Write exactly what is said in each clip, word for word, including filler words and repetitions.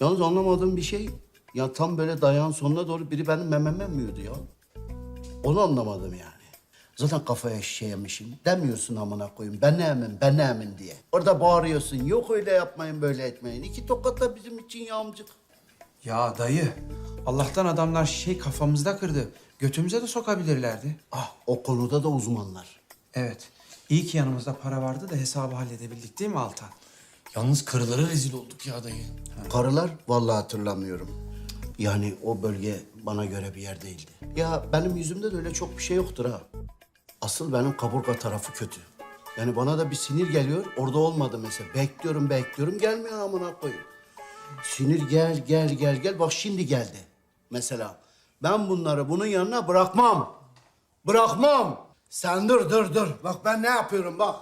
Yalnız anlamadığım bir şey, ya tam böyle dayağın sonuna doğru biri benim mememe mi yiyordu ya? Onu anlamadım yani. Zaten kafaya şişe yemişim. Demiyorsun amına koyayım, ben ne emin, ben ne emin diye. Orada bağırıyorsun, yok öyle yapmayın, böyle etmeyin. İki tokat da bizim için yağmcık. Ya dayı, Allah'tan adamlar şişeyi kafamızda kırdı. Götümüze de sokabilirlerdi. Ah, o konuda da uzmanlar. Evet, iyi ki yanımızda para vardı da hesabı halledebildik değil mi Altan? Yalnız karılara rezil olduk ya dayı. Karılar vallahi hatırlamıyorum. Yani o bölge bana göre bir yer değildi. Ya benim yüzümde de öyle çok bir şey yoktur ha. Asıl benim kaburga tarafı kötü. Yani bana da bir sinir geliyor, orada olmadı mesela. Bekliyorum, bekliyorum, gelmiyor amına koyayım. Sinir gel, gel, gel, gel. Bak şimdi geldi. Mesela ben bunları bunun yanına bırakmam. Bırakmam. Sen dur, dur, dur. Bak ben ne yapıyorum bak.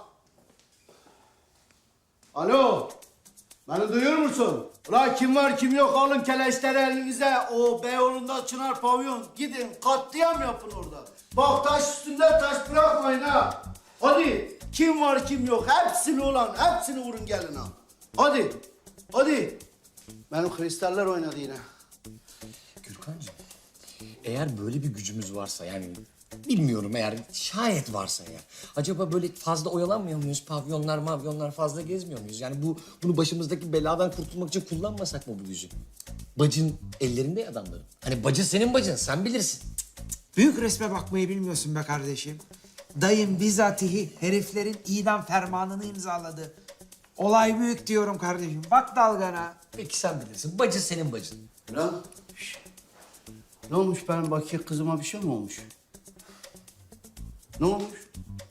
Alo. Beni duyuyor musun? Ulan kim var kim yok alın keleşleri elinize. O Beyoğlu'nda Çınar Pavyon. Gidin katliam yapın orada. Bak taş üstünde taş bırakmayın ha. Hadi kim var kim yok hepsini ulan hepsini vurun gelin ha. Hadi. Hadi. Benim kristaller oynadı yine. Gürkancığım, eğer böyle bir gücümüz varsa yani bilmiyorum eğer şayet varsa ya. Acaba böyle fazla oyalanmıyor muyuz? Pavyonlar mavyonlar fazla gezmiyor muyuz? Yani bu bunu başımızdaki beladan kurtulmak için kullanmasak mı bu gücü? Bacın ellerinde ya adamların. Hani bacı senin bacın sen bilirsin. Büyük resme bakmayı bilmiyorsun be kardeşim. Dayım bizatihi heriflerin idam fermanını imzaladı. Olay büyük diyorum kardeşim. Bak dalgana. Peki sen bilirsin. Bacı senin bacın. Lan. şş. Ne olmuş benim bakiye kızıma bir şey mi olmuş? Ne olmuş?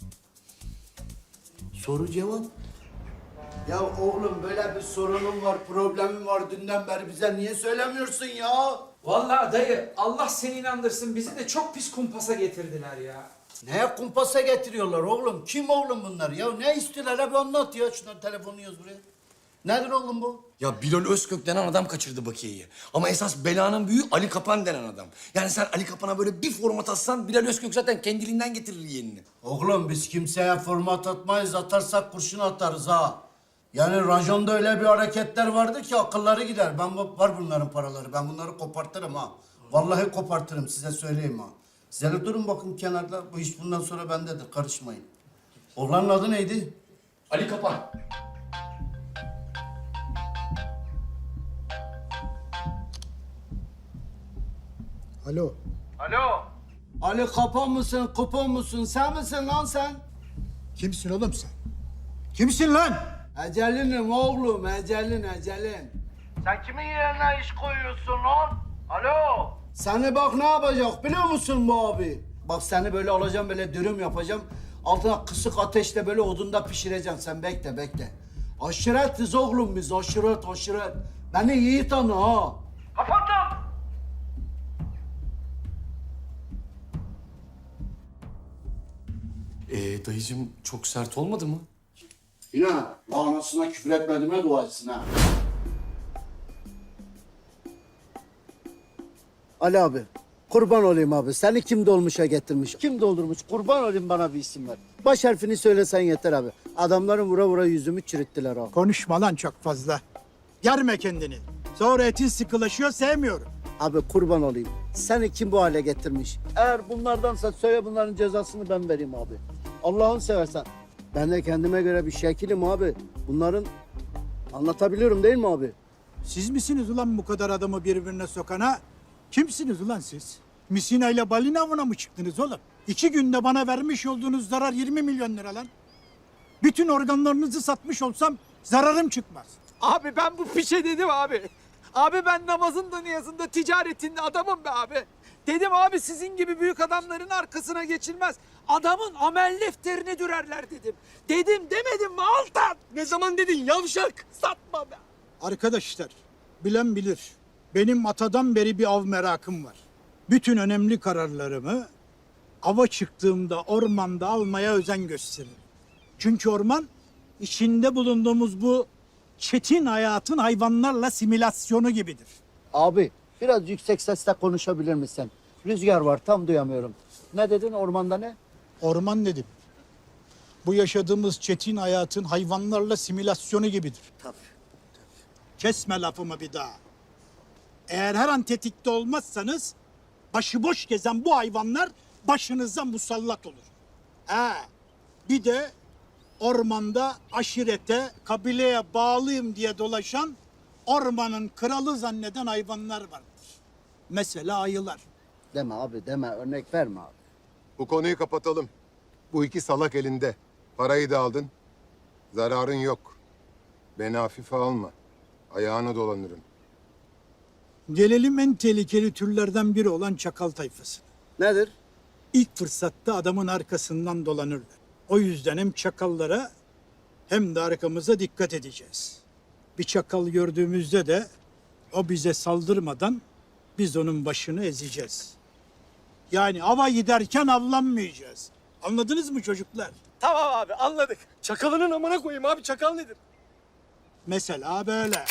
Soru cevap. Ya oğlum böyle bir sorunum var, problemim var dünden beri bize niye söylemiyorsun ya? Vallahi dayı Allah seni inandırsın bizi de çok pis kumpasa getirdiler ya. Neye kumpasa getiriyorlar oğlum? Kim oğlum bunlar ya? Ne istiyorlar? Hep anlat ya. Şunların telefonunu yaz buraya. Nedir oğlum bu? Ya Bilal Özkök denen adam kaçırdı Bakiye'yi. Ama esas belanın büyüğü Ali Kapan denen adam. Yani sen Ali Kapan'a böyle bir format atsan Bilal Özkök zaten kendiliğinden getirir yeğenini. Oğlum biz kimseye format atmayız. Atarsak kurşun atarız ha. Yani rajonda öyle bir hareketler vardır ki akılları gider. Ben bu- var bunların paraları. Ben bunları kopartırım ha. Vallahi kopartırım size söyleyeyim ha. Size de durun bakın kenarda. Bu iş bundan sonra bendedir. Karışmayın. Oğlanın adı neydi? Ali Kapan. Alo. Alo. Ali Kapan mısın, kupon musun? Sen misin lan sen? Kimsin oğlum sen? Kimsin lan? Ecelinim oğlum, ecelin, ecelin. Sen kimin yerine iş koyuyorsun lan? Alo. Seni bak ne yapacak biliyor musun bu abi? Bak seni böyle alacağım, böyle dürüm yapacağım. Altına kısık ateşte böyle odunda pişireceğim. Sen bekle, bekle. Aşiretiz oğlum biz, aşiret, aşiret. Beni iyi tanı ha. Kapattım. Ee, dayıcığım çok sert olmadı mı? Yine anasına küfür etmediğime dua etsin ha. Ali abi, kurban olayım abi. Seni kim dolmuşa getirmiş? Kim doldurmuş? Kurban olayım bana bir isim ver. Baş harfini söylesen yeter abi. Adamların vura vura yüzümü çürüttüler abi. Konuşma lan çok fazla. Germe kendini. Sonra etin sıkılaşıyor sevmiyorum. Abi kurban olayım. Seni kim bu hale getirmiş? Eğer bunlardansa söyle bunların cezasını ben vereyim abi. Allah'ını seversen. Ben de kendime göre bir şekilim abi. Bunların anlatabiliyorum değil mi abi? Siz misiniz ulan bu kadar adamı birbirine sokana? Kimsiniz ulan siz? Misina ile balina avına mı çıktınız oğlum? İki günde bana vermiş olduğunuz zarar yirmi milyon lira lan. Bütün organlarınızı satmış olsam zararım çıkmaz. Abi ben bu fişe dedim abi. Abi ben namazın da niyazında ticaretin adamım be abi. Dedim abi sizin gibi büyük adamların arkasına geçilmez. Adamın amel defterini dürerler dedim. Dedim demedim mi Altan? Ne zaman dedin yavşak? Satma be. Arkadaşlar, bilen bilir. Benim atadan beri bir av merakım var. Bütün önemli kararlarımı ava çıktığımda ormanda almaya özen gösteririm. Çünkü orman içinde bulunduğumuz bu çetin hayatın hayvanlarla simülasyonu gibidir. Abi biraz yüksek sesle konuşabilir misin? Rüzgar var tam duyamıyorum. Ne dedin ormanda ne? Orman dedim. Bu yaşadığımız çetin hayatın hayvanlarla simülasyonu gibidir. Tabii. Kesme lafımı bir daha. Eğer her an tetikte olmazsanız başıboş gezen bu hayvanlar başınıza musallat olur. Ha, bir de ormanda aşirete, kabileye bağlıyım diye dolaşan ormanın kralı zanneden hayvanlar vardır. Mesela ayılar. Deme abi deme, örnek verme abi. Bu konuyu kapatalım. Bu iki salak elinde. Parayı da aldın. Zararın yok. Beni hafife alma. Ayağına dolanırım. Gelelim en tehlikeli türlerden biri olan çakal tayfası. Nedir? İlk fırsatta adamın arkasından dolanırlar. O yüzden hem çakallara hem de arkamıza dikkat edeceğiz. Bir çakal gördüğümüzde de o bize saldırmadan biz onun başını ezeceğiz. Yani ava giderken avlanmayacağız. Anladınız mı çocuklar? Tamam abi anladık. Çakalının amına koyayım abi. Çakal nedir? Mesela böyle.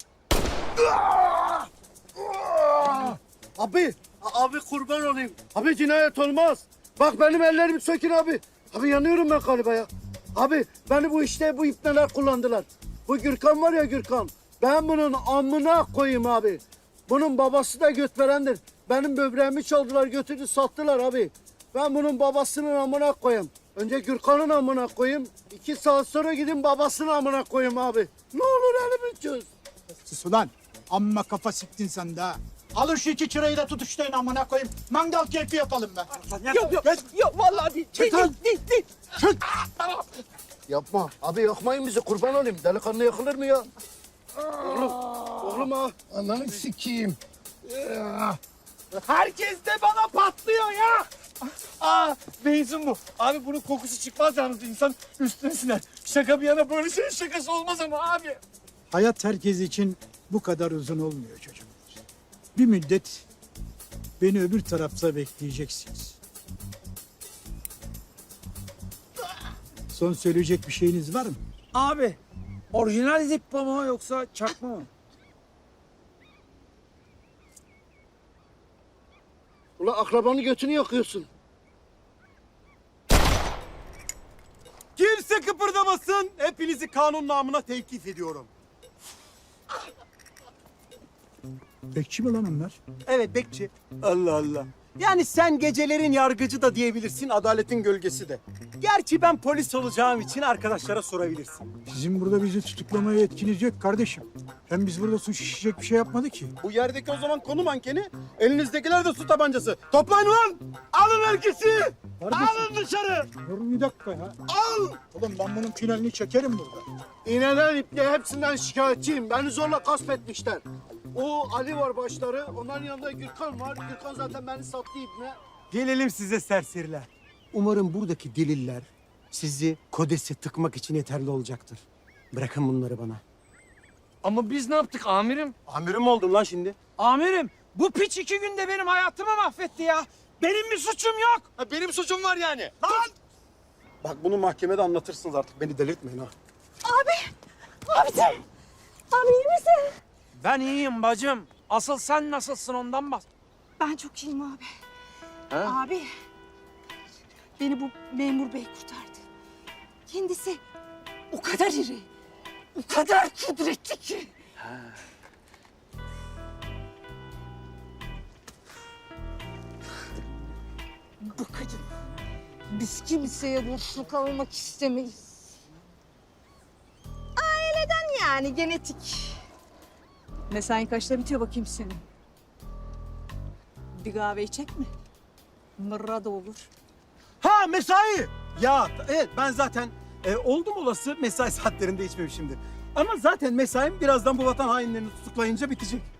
Abi, abi kurban olayım. Abi cinayet olmaz. Bak benim ellerimi sökün abi. Abi yanıyorum ben galiba ya. Abi beni bu işte bu ipneler kullandılar. Bu Gürkan var ya Gürkan. Ben bunun amına koyayım abi. Bunun babası da götverendir. Benim böbreğimi çaldılar götürdü sattılar abi. Ben bunun babasının amına koyayım. Önce Gürkan'ın amına koyayım. İki saat sonra gidin babasının amına koyayım abi. Ne olur elimi çöz. Sus ulan. Amma kafa siktin sen de ha. Alın şu iki çırayı da tutuşlayın amına koyayım. Mangal keyfi yapalım be. Yok yok yok vallahi değil. Değil lan. değil değil. değil. Yapma. Abi yakmayın bizi kurban olayım. Delikanlı yakılır mı ya? Oğlum, oğlum ha. Ananı sikeyim. Herkes de bana patlıyor ya. Aa benzin bu. Abi bunun kokusu çıkmaz yalnız insan üstüne siner. Şaka bir yana böyle şeyin şakası olmaz ama abi. Hayat herkes için bu kadar uzun olmuyor çocuklar. Bir müddet beni öbür tarafta bekleyeceksiniz. Son söyleyecek bir şeyiniz var mı? Abi orijinal zippo mu yoksa çakma mı? Ulan akrabanın götünü yakıyorsun. Kimse kıpırdamasın. Hepinizi kanun namına tevkif ediyorum. Bekçi mi lan onlar? Evet bekçi. Allah Allah. Yani sen gecelerin yargıcı da diyebilirsin, adaletin gölgesi de. Gerçi ben polis olacağım için arkadaşlara sorabilirsin. Sizin burada bizi tutuklamaya yetkiniz yok kardeşim. Hem biz burada suç işleyecek bir şey yapmadık ki. Bu yerdeki o zaman konu mankeni, elinizdekiler de su tabancası. Toplayın ulan! Alın herkesi! Alın dışarı! Dur bir dakika ya. Al! Oğlum ben bunun finalini çekerim burada. İğneden iple hepsinden şikayetçiyim. Beni zorla gasp etmişler. O Ali var başları. Onların yanında Gürkan var. Gürkan zaten beni sattı ipne. Gelelim size serseriler. Umarım buradaki deliller sizi kodese tıkmak için yeterli olacaktır. Bırakın bunları bana. Ama biz ne yaptık amirim? Amirim oldun lan şimdi. Amirim bu piç iki günde benim hayatımı mahvetti ya. Benim bir suçum yok. Ha, benim suçum var yani. Lan! Bak bunu mahkemede anlatırsınız artık. Beni delirtmeyin ha. Abicim! Abi iyi misin? Ben iyiyim bacım. Asıl sen nasılsın ondan bak. Ben çok iyiyim abi. Abi, beni bu memur bey kurtardı. Kendisi o kadar iri, o kadar kudretli ki. Bu kadın, biz kimseye borçlu kalmak istemeyiz. Aileden yani, genetik. Mesain kaçta bitiyor bakayım senin? Bir kahve içecek mi? Mırra da olur. Ha mesai. Ya evet ben zaten e, oldum olası mesai saatlerinde içmemişimdir. Ama zaten mesaim birazdan bu vatan hainlerini tutuklayınca bitecek.